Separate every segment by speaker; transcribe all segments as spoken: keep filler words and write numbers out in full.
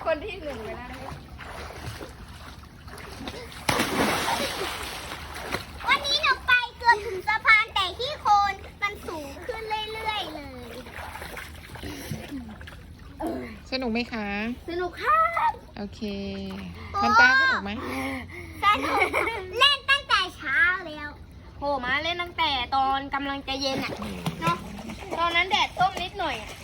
Speaker 1: คนที่หนึ่งไปแล้วนะคะ
Speaker 2: วันนี้หนูไปเกือบถึงสะพานแต่ที่โคนมันสูงขึ้นเรื่อยๆเลย
Speaker 3: สนุกไหมคะ
Speaker 2: สนุกครับ
Speaker 3: โอเคมันตาสนุกไหม
Speaker 2: สนุกเล่นตั้งแต่เช้าแล้วโหมาเล่นตั้งแต่ตอนกำลังจะเย็นอ่ะเนาะตอนนั้นแดดส้มนิดหน่อยอะ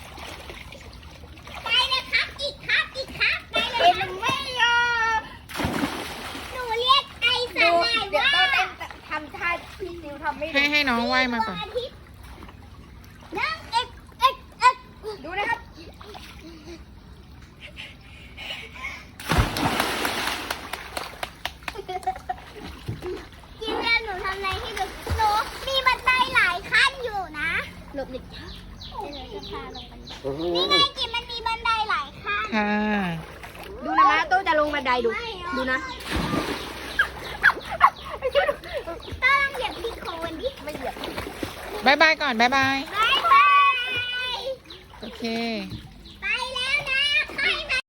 Speaker 2: ไปเลยครับอีกครับอีกครับไปเลยครับไม่ยอมหนูเรียกไอสลายว่าเดี๋ยวต้องเต้นทำท่าพี่ซิวทำไม่ได้
Speaker 3: ให้ให้น้องว่ายมาก่อน
Speaker 2: นั่งเอ็กเอ็กเอ็ก
Speaker 1: ดูนะครับ
Speaker 2: กินแล้วหนูทำอะไรที่ดูหนูมีบันไดหลายขั้นอยู่นะหลบหนึ่งนี่ไงกินมันมีบันไดหลายขั้น
Speaker 3: ค่ะ
Speaker 1: ดูนะนะโต้จะลงบันไดดูดูนะ
Speaker 2: ต้องเหยียบที่โคนดิ
Speaker 1: ไม่เหยียบ
Speaker 3: บายบายก่อนบายบาย
Speaker 2: บายบาย
Speaker 3: โอเค